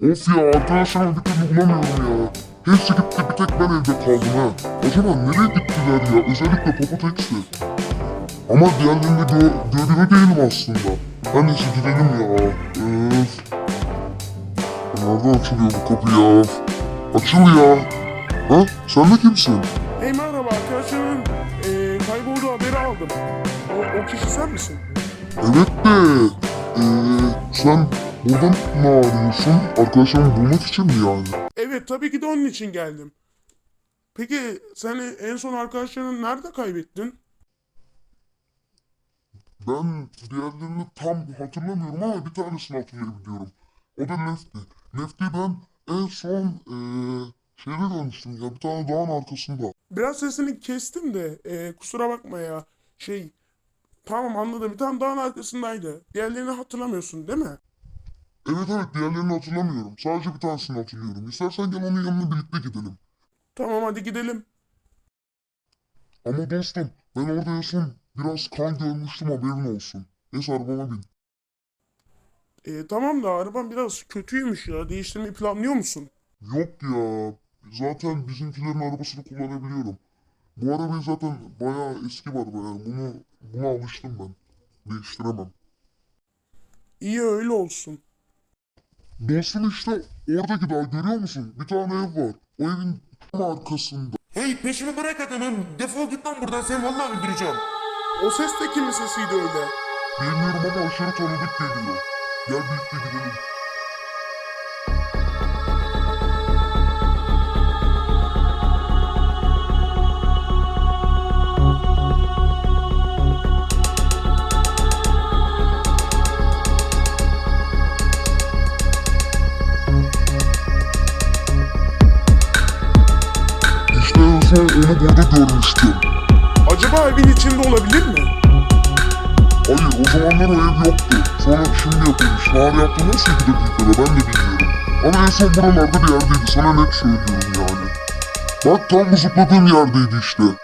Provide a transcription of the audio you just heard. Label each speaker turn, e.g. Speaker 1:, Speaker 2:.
Speaker 1: Of ya, arkadaşlarımı bir türlü bulamıyorum ya. Hepsi gitti, bir tek ben evde kaldım ha. Acaba nereye gittiler ya? Özellikle Popoteksti. Ama diğerlerini görüyor değilim aslında. Her neyse gidelim ya. Öf. Nereden açılıyor bu kapı ya? Açıl ya. Ha? Sen de kimsin?
Speaker 2: Hey merhaba, arkadaşlarımın kaybolduğu haberi aldım. O kişi sen misin?
Speaker 1: Evet de sen buradan ne arıyorsun? Arkadaşlarımı bulmak için mi yani?
Speaker 2: Evet, tabii ki de onun için geldim. Peki sen en son arkadaşlarını nerede kaybettin?
Speaker 1: Ben diğerlerini tam hatırlamıyorum ama bir tanesini hatırlayabiliyorum. O da Lefty. Lefty'yi ben en son şeyde görmüştüm ya, bir tane dağın arkasında.
Speaker 2: Biraz sesini kestim de kusura bakma ya. Tamam anladım, bir tane dağın arkasındaydı. Diğerlerini hatırlamıyorsun değil mi?
Speaker 1: Evet diğerlerini hatırlamıyorum. Sadece bir tanesini hatırlıyorum. İstersen gel onun yanına birlikte gidelim.
Speaker 2: Tamam, hadi gidelim.
Speaker 1: Ama dostum ben orada en son biraz kan görmüştüm, haberin olsun. Neyse arabama bin.
Speaker 2: Tamam da araban biraz kötüymüş ya. Değiştirmeyi planlıyor musun?
Speaker 1: Yok ya. Zaten bizimkilerin arabasını kullanabiliyorum. Bu arabayı zaten bayağı eski var yani. Buna alıştım ben. Değiştiremem.
Speaker 2: İyi, öyle olsun.
Speaker 1: Dostum işte oradaki dağ görüyor musun? Bir tane ev var. O evin tam arkasında.
Speaker 3: Hey, peşimi bırak adamım. Defol git lan buradan, seni vallahi öldüreceğim.
Speaker 2: O ses de kimin sesiydi öyle?
Speaker 1: Bilmiyorum ama aşırı tanıdık geliyor. Gel birlikte gidelim. İşte en son onu burada görmüştüm.
Speaker 2: Acaba evin içinde olabilir mi?
Speaker 1: Hayır, o zamanlar o ev yoktu. Sonra şimdi yapılmış. Nar yaptı nasıl 2 dakikada ben de bilmiyorum. Ama en son buralarda bir yerdeydi. Sana net söylüyorum yani. Bak tam bu zıpladığım yerdeydi işte.